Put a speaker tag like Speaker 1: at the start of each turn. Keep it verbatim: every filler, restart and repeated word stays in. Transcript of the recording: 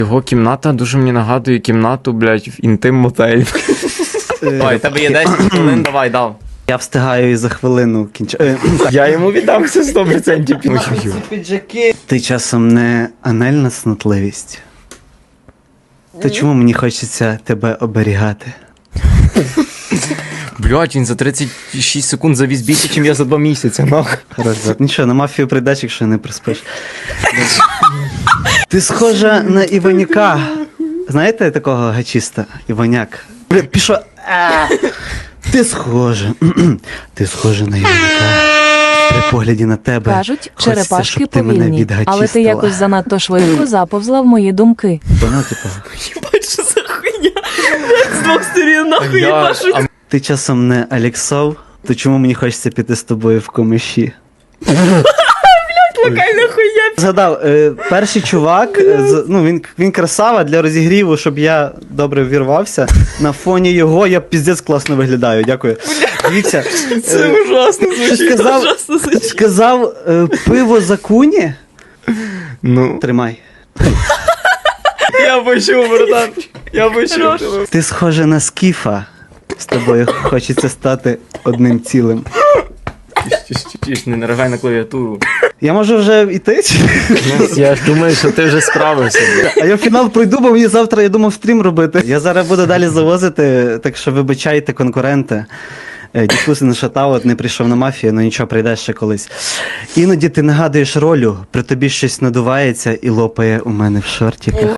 Speaker 1: Його кімната дуже мені нагадує кімнату, блядь, в інтим-мотелі. Давай, тебе є десять хвилин, давай, дав.
Speaker 2: Я встигаю і за хвилину кінчаю.
Speaker 1: Я йому віддам все сто відсотків.
Speaker 2: Піджаки. Ти часом не анальна снотливість? То чому мені хочеться тебе оберігати?
Speaker 1: Блядь, він за тридцять шість секунд завіз більше, ніж я за два місяці, нахуй.
Speaker 2: Хорошо. Нічого, на мафію прийдеш, якщо не приспиш. Ти схожа на Іваняка. Знаєте такого гачіста? Іваняк. Бля, пішов. А! Ти схожа. Ти схожа на Іваняка. При погляді на тебе.
Speaker 3: Кажуть,
Speaker 2: хочеться,
Speaker 3: черепашки
Speaker 2: щоб ти мене
Speaker 3: повільні, але ти
Speaker 2: відгачістила.
Speaker 3: якось занадто швидко заповзла в мої думки.
Speaker 2: Воно, типу,
Speaker 4: Ебать, що за хуйня? З двох сторін нахуй
Speaker 1: Я-
Speaker 4: їбашу.
Speaker 1: а
Speaker 2: ти часом не Алексов, то чому мені хочеться піти з тобою в комиші?
Speaker 4: Локальна хуйня.
Speaker 2: Згадав, е, перший чувак, е, з, ну він, він красава для розігріву, щоб я добре вірвався. На фоні його я піздець класно виглядаю. Дякую. Дивіться,
Speaker 4: Це
Speaker 2: е,
Speaker 4: ужасно
Speaker 2: що
Speaker 4: звучить.
Speaker 2: сказав,
Speaker 4: Ужасно звучить.
Speaker 2: сказав е, пиво за куні.
Speaker 1: Ну,
Speaker 2: Тримай.
Speaker 1: я почув, братан. Я почув.
Speaker 4: Хорош.
Speaker 2: Ти схожа на скіфа. З тобою хочеться стати одним цілим.
Speaker 1: Тіш, не наражай на клавіатуру.
Speaker 2: Я можу вже йти?
Speaker 1: Я ж думаю, що ти вже справився.
Speaker 2: А я фінал пройду, бо мені завтра, я думав, стрім робити. Я зараз буду далі завозити, так що вибачайте, конкуренти. Е, Дідкуси не шатаут, не прийшов на мафію, ну нічого, прийдеш ще колись. Іноді ти нагадуєш ролю, при тобі щось надувається і лопає у мене в шортиках.